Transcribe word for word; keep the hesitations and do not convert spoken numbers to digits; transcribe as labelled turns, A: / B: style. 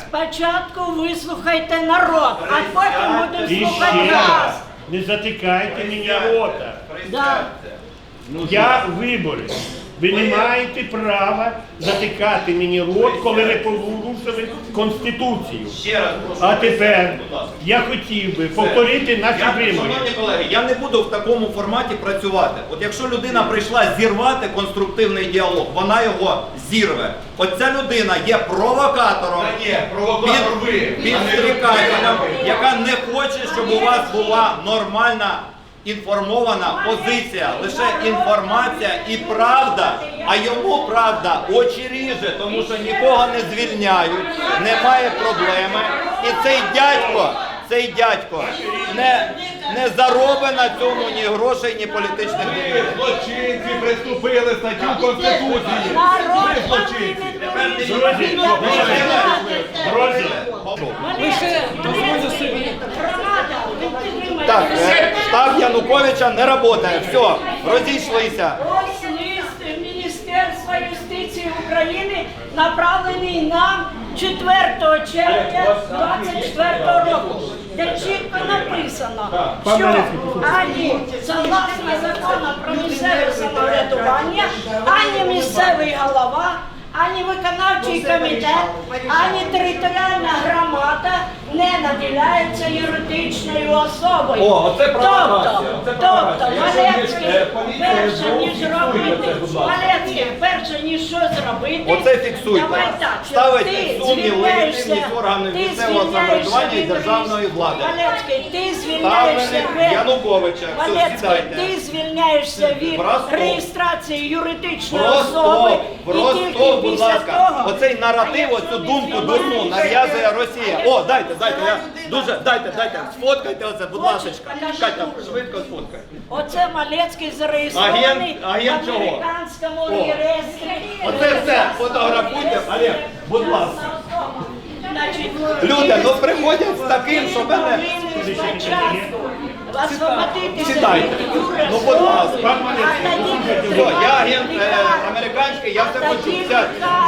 A: Спочатку вислухайте народ, а потім будемо
B: І
A: слухати
B: ще
A: вас.
B: раз, не затикайте мені рота.
A: Да.
B: Я виборець. Ви не маєте права затикати мені рот, коли ви порушили Конституцію.
C: Ще раз прошу.
B: А тепер
C: будь ласка.
B: я хотів би повторити наші
C: Я,
B: вимоги.
C: шановні колеги, я не буду в такому форматі працювати. От якщо людина прийшла зірвати конструктивний діалог, вона його зірве. От ця людина є провокатором,
D: Та ні, провокатор ви,
C: під- підстрікателем, яка не хоче, щоб у вас була нормальна інформована позиція, лише інформація і правда, а йому правда очі ріже, тому що нікого не звільняють, немає проблеми. І цей дядько, цей дядько не, не заробить на цьому ні грошей, ні політичних
D: Ви
C: дій.
D: злочинці приступили статтю Конституції. Ви злочинці.
B: Друзі, друзі,
A: Лише дозвольте собі.
C: Так, е, штаб Януковича не працює. Все, розійшлися.
A: Ось лист Міністерства юстиції України, направлений нам четвертого червня двадцять четвертого року, де чітко написано, що ані согласно закону про місцеве самоврядування, ані місцевий голова, ані виконавчий комітет, ані територіальна громада не наділяються юридичною особою.
D: О, оце провокація,
A: Тобто,
D: оце провокація.
A: тобто,
D: Якщо
A: Малецький,
D: є, е, поліція,
A: перше
D: СБУ,
A: ніж
D: фіксуйте
A: робити,
D: це, будь ласка.
A: Малецький, перше ніж що зробити,
C: Оце фіксуйте.
A: давай так, що
C: Ставите
A: ти
C: в сумнів
A: звільняєшся,
C: легітимність органів
A: ти
C: місцевого
A: звільняєшся
C: самоврядування і
A: від
C: державної влади.
A: Малецький, ти звільняєшся
C: Ставленик
A: від
C: Януковича. Все,
A: Малецький,
C: сідайте.
A: ти звільняєшся від
C: Просто-
A: реєстрації юридичної
C: Просто,
A: особи, і тільки
C: просто, будь
A: після
C: ласка,
A: того,
C: оцей наратив,
A: а
C: оцю
A: якщо
C: думку
A: не
C: дурну
A: звільняєшся,
C: нав'язує Росія.
A: а
C: О,
A: якщо
C: дайте, дайте, я
A: людина-
C: дуже, дайте, дайте, сфоткайте оце, будь
A: Хочеш,
C: ласка.
A: покажи
C: Катя,
A: дуже.
C: швидко сфоткай.
A: Оце Малецький зареєстрований
C: Агент- агент
A: в
C: чого?
A: американському
C: О.
A: реєстрі.
C: Оце все, фотографуйте. Олег, будь ласка.
A: Значить,
C: Люди, ну приходять з таким, що мене... Читайте. Ну, будь ласка. Все, я агент е, американський, я все хочу взяти.